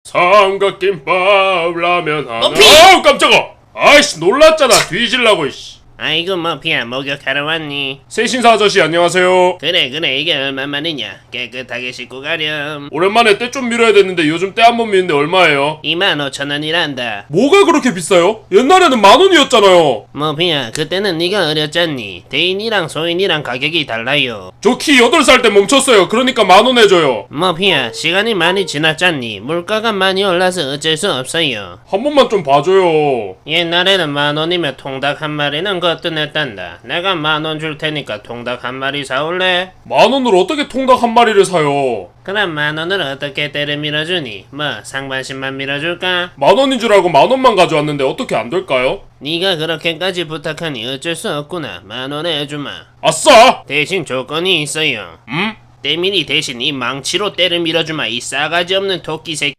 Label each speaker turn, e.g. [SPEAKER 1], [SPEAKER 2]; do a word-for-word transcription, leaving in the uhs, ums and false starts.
[SPEAKER 1] 삼각김밥 라면 하나.
[SPEAKER 2] 머피!
[SPEAKER 1] 아우 깜짝아. 아이씨 놀랐잖아. 뒤질라고 이씨.
[SPEAKER 2] 아이고 머피야 목욕하러 왔니?
[SPEAKER 1] 세신사 아저씨 안녕하세요.
[SPEAKER 2] 그래 그래 이게 얼마만이냐? 깨끗하게 씻고 가렴.
[SPEAKER 1] 오랜만에 때 좀 밀어야 되는데 요즘 때 한 번 미는데 얼마예요?
[SPEAKER 2] 이만 오천 원이란다.
[SPEAKER 1] 뭐가 그렇게 비싸요? 옛날에는 만 원이었잖아요.
[SPEAKER 2] 머피야 그때는 네가 어렸잖니. 대인이랑 소인이랑 가격이 달라요.
[SPEAKER 1] 저 키 여덟 살 때 멈췄어요. 그러니까 만 원 해줘요.
[SPEAKER 2] 머피야 시간이 많이 지났잖니. 물가가 많이 올라서 어쩔 수 없어요.
[SPEAKER 1] 한 번만 좀 봐줘요.
[SPEAKER 2] 옛날에는 만 원이면 통닭 한 마리는 거뜬했단다. 내가 만 원 줄 테니까 통닭 한 마리 사올래?
[SPEAKER 1] 만 원으로 어떻게 통닭 한 마리를 사요?
[SPEAKER 2] 그럼 만 원을 어떻게 때려 밀어주니? 뭐 상반신만 밀어줄까?
[SPEAKER 1] 만 원인 줄 알고 만 원만 가져왔는데 어떻게 안 될까요?
[SPEAKER 2] 네가 그렇게까지 부탁하니 어쩔 수 없구나. 만 원에 해주마.
[SPEAKER 1] 아싸!
[SPEAKER 2] 대신 조건이 있어요.
[SPEAKER 1] 음?
[SPEAKER 2] 때밀이 대신 이 망치로 때려 밀어주마. 이 싸가지 없는 토끼 새끼.